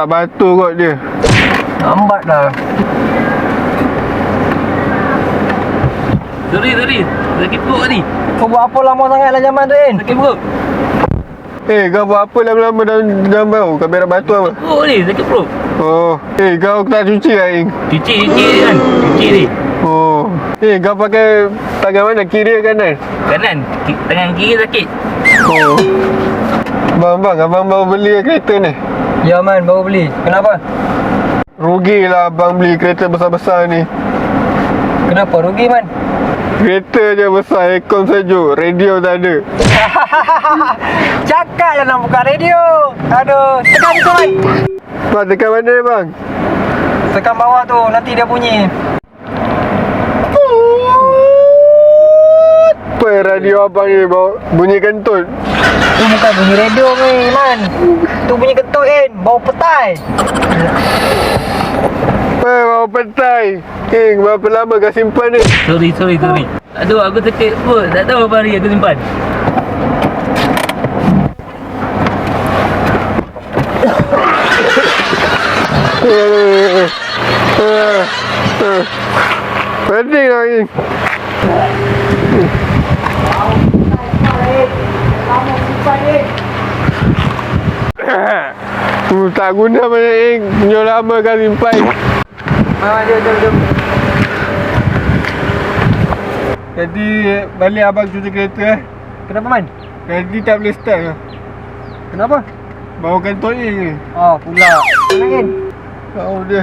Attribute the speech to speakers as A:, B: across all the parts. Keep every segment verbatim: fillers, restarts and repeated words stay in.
A: Tak batu kot dia.
B: Lambat dah.
C: Sorry, sorry. Sakit perut tadi.
B: Kau buat apa lama sangat dalam zaman tu, In?
C: Sakit perut.
A: Eh, kau buat apa lama-lama dalam dalam bau? Kau berak batu apa?
C: Perut ni, sakit perut.
A: Oh, eh kau tak cuci lah, Ing?
C: Cuci, cuci kan. Cuci ni.
A: Oh, eh kau pakai tangan mana? Kiri ke kanan?
C: Kanan. Ki- Tangan kiri sakit.
A: Oh. Bang, bang, abang baru beli kereta ni.
B: Ya, Man. Baru beli. Kenapa?
A: Rugilah abang beli kereta besar-besar ni.
B: Kenapa? Rugi, Man?
A: Kereta je besar, aircon sejuk, radio tak ada.
B: Cakap je nak buka radio. Aduh. Tekan tu, Man.
A: Bang, tekan mana ni bang?
B: Tekan bawah tu. Nanti dia bunyi.
A: Apa radio abang ni bawa bunyi kentut?
B: Tu bukan bunyi radio ni, Man. Tu bunyi kentut, In. Bau petai.
A: Eh, bawa petai. King, berapa lama kau simpan ni?
C: Sorry, sorry, sorry. Aduh, aku sakit perut. Tak tahu berapa hari aku simpan.
A: Eh, eh, eh. Pening lah, King. Uh, tak guna banyak, Ing. Punya lama kau simpan.
B: Ah, jom, jom, jom.
A: Jadi balik abang cuci kereta eh.
B: Kenapa, Man?
A: Jadi tak boleh start lah.
B: Kenapa?
A: Bawa kentut ni.
B: Oh, pula. Mana, In?
A: Tahu dia.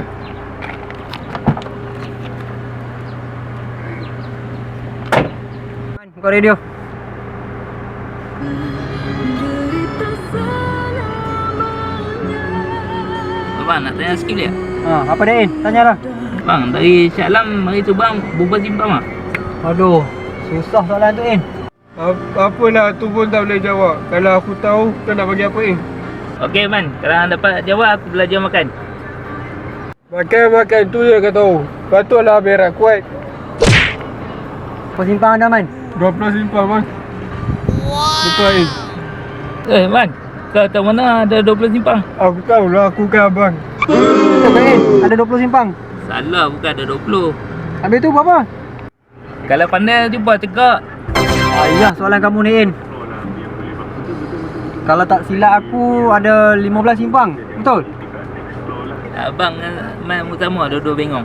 B: Man, buka radio.
C: Abang, nak tanya sikit dia?
B: Ha, apa dia, In? Tanyalah.
C: Bang, dari Shah Alam hari tu bang berubah simpang ah?
B: Aduh, susah soalan tu, In.
A: Apa, apalah tu pun tak boleh jawab. Kalau aku tahu, kau nak bagi apa ni?
C: Okey man, kalau hang dapat jawab aku belajar makan.
A: Makan-makan tu je kau tahu. Patutlah berak kuat.
B: Apa simpang anda, Man?
A: dua puluh simpang bang. Betul ni.
C: Eh man, kau tahu mana ada dua puluh simpang?
A: Aku tahulah, aku kan abang.
B: Betul ke, In? Ada dua puluh simpang.
C: Salah, bukan ada dua puluh.
B: Habis tu berapa?
C: Kalau pandai jumpa tegak.
B: Ayah, soalan kamu ni, In. Kalau tak silap aku, ada lima belas simpang. Betul?
C: Abang man utama dua-dua bengong.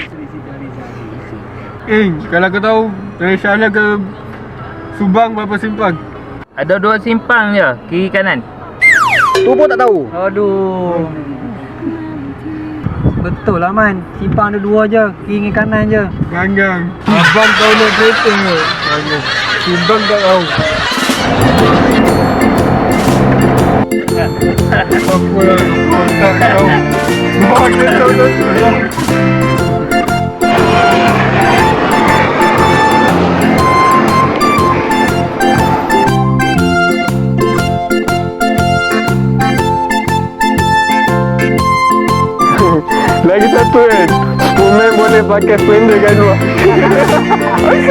A: Eh, kalau kau tahu dari Syahla ke Subang berapa simpang?
C: Ada dua simpang je, kiri kanan.
B: Tu pun tak tahu. Aduh. Betul lah, Man. Simpang ada dua je, kiri dengan kanan je.
A: Ganggang. Abang tahu nak kereta ke? Ganggang. Simpang tak tahu. Apa lah, kau tak tahu. Bawa kereta dah tu. Lagi satu kan, Superman boleh pakai splendor kat luar.